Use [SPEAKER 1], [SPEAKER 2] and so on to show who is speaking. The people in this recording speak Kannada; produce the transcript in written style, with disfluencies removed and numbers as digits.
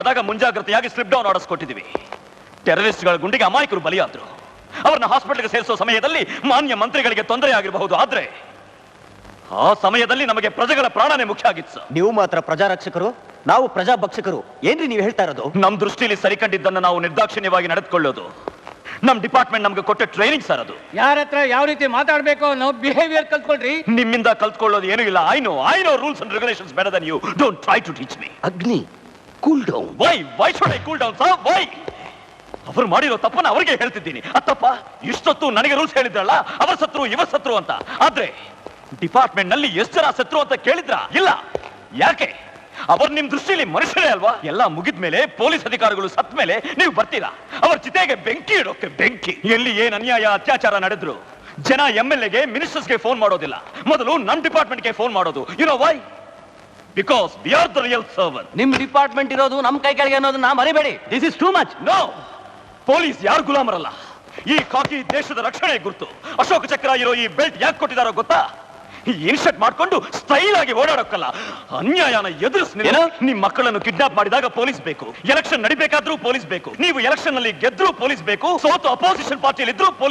[SPEAKER 1] ಆದಾಗ ಮುಂಜಾಗ್ರತೆಯಾಗಿ ಸ್ಲಿಪ್ ಡೌನ್ ಆರ್ಡರ್ಸ್ ಕೊಟ್ಟಿದ್ದೀವಿ. ಟೆರರಿಸ್ಟ್ಗಳ ಗುಂಡಿಗೆ ಅಮಾಯಕರು ಬಲಿಯಾದ್ರು. ಅವರನ್ನ ಹಾಸ್ಪಿಟಲ್ಗೆ ಸೇರಿಸೋ ಸಮಯದಲ್ಲಿ ಮಾನ್ಯ ಮಂತ್ರಿಗಳಿಗೆ ತೊಂದರೆ ಆಗಿರಬಹುದು. ಆದ್ರೆ ಆ ಸಮಯದಲ್ಲಿ ನಮಗೆ ಪ್ರಜೆಗಳ ಪ್ರಾಣನೇ ಮುಖ್ಯ ಆಗಿತ್ತು ಸರ್.
[SPEAKER 2] ನೀವು ಮಾತ್ರ ಪ್ರಜಾರಕ್ಷಕರು, ನಾವು ಪ್ರಜಾಭಕ್ಷಕರು. ಏನ್ರಿ ನೀವು ಹೇಳ್ತಾ ಇರೋದು?
[SPEAKER 1] ನಮ್ ದೃಷ್ಟಿಯಲ್ಲಿ ಸರಿಕಂಡಿದ್ದನ್ನು ನಾವು ನಿರ್ದಾಕ್ಷಿಣ್ಯವಾಗಿ ನಡೆದುಕೊಳ್ಳೋದು ನಮ್ ಡಿಪಾರ್ಟ್ಮೆಂಟ್ ನಮ್ಗೆ ಕೊಟ್ಟ ಟ್ರೈನಿಂಗ್ ಸರ್. ಅದು
[SPEAKER 3] ಯಾರ ಹತ್ರ ಯಾವ ರೀತಿ ಮಾತಾಡ್ಬೇಕು ಅನ್ನೋ ಬಿಹೇವಿಯರ್ ಕಲ್ತ್ಕೊಳ್ರಿ.
[SPEAKER 1] ನಿಮ್ಮಿಂದ ಕಲ್ತ್ಕೊಳ್ಳೋದು ಏನೂ ಇಲ್ಲ. I know rules and regulations better than you. Don't try to teach me.
[SPEAKER 2] Agni, cool down.
[SPEAKER 1] Why should I cool down sir? Why? ಅವರು ಮಾಡಿರೋ ತಪ್ಪನ್ನ ಅವರಿಗೆ ಹೇಳ್ತಿದ್ದೀನಿ. ಅತ್ತಪ್ಪ ಇಷ್ಟೊತ್ತು ನನಗೆ ರೂಲ್ಸ್ ಹೇಳಿದ್ರಲ್ಲ, ಅವರ ಸತ್ರು ಇವರ ಸತ್ರು ಅಂತ. ಆದ್ರೆ ಡಿಪಾರ್ಟ್ಮೆಂಟ್ ನಲ್ಲಿ ಎಷ್ಟು ಜನ ಸತ್ರು ಅಂತ ಕೇಳಿದ್ರ? ಇಲ್ಲ. ಯಾಕೆ? ಅವರು ನಿಮ್ ದೃಷ್ಟಿಯಲ್ಲಿ ಮನುಷ್ಯರೇ ಅಲ್ವಾ? ಎಲ್ಲ ಮುಗಿದ್ಮೇಲೆ ಪೊಲೀಸ್ ಅಧಿಕಾರಿಗಳು ಸತ್ ಮೇಲೆ ನೀವು ಬರ್ತೀರಾ ಅವರ ಚಿತೆಗೆ ಬೆಂಕಿ ಇಡೋಕೆ. ಬೆಂಕಿ ಎಲ್ಲಿ ಏನ್ ಅನ್ಯಾಯ ಅತ್ಯಾಚಾರ ನಡೆದ್ರು ಜನ MLAಗೆ ಮಿನಿಸ್ಟರ್ಸ್ಗೆ ಫೋನ್ ಮಾಡೋದಿಲ್ಲ, ಮೊದಲು ನಮ್ ಡಿಪಾರ್ಟ್ಮೆಂಟ್ಗೆ ಫೋನ್ ಮಾಡೋದು. You know why? Because we are the real server.
[SPEAKER 2] ನಿಮ್ ಡಿಪಾರ್ಟ್ಮೆಂಟ್ ಇರೋದು ನಮ್ ಕೈ ಕೆಳಗೆ ಅನ್ನೋದನ್ನ ಮರಿಬೇಡಿ. This is too much.
[SPEAKER 1] No, police ಯಾರು ಗುಲಾಮರಲ್ಲ. ಈ ಕಾಕಿ ದೇಶದ ರಕ್ಷಣೆ ಗುರ್ತು. ಅಶೋಕ ಚಕ್ರ ಇರೋ ಈ ಬೆಲ್ಟ್ ಯಾಕೆ ಕೊಟ್ಟಿದಾರೋ ಗೊತ್ತಾ? ಇನ್ಶರ್ಟ್ ಮಾಡ್ಕೊಂಡು ಸ್ಟೈಲ್ ಆಗಿ ಓಡಾಡೋಕ್ಕಲ್ಲ, ಅನ್ಯಾಯನ ಎದುರಿಸ್. ನಿಮ್ ಮಕ್ಕಳನ್ನು ಕಿಡ್ನಾಪ್ ಮಾಡಿದಾಗ ಪೊಲೀಸ್ ಬೇಕು, ಎಲೆಕ್ಷನ್ ನಡಿಬೇಕಾದ್ರೂ ಪೊಲೀಸ್ ಬೇಕು, ನೀವು ಎಲೆಕ್ಷನ್ ನಲ್ಲಿ ಗೆದ್ರೂ ಪೊಲೀಸ್ ಬೇಕು, ಸೋತು ಅಪೋಸಿಷನ್ ಪಾರ್ಟಿಯಲ್ಲಿ ಇದ್ರೂ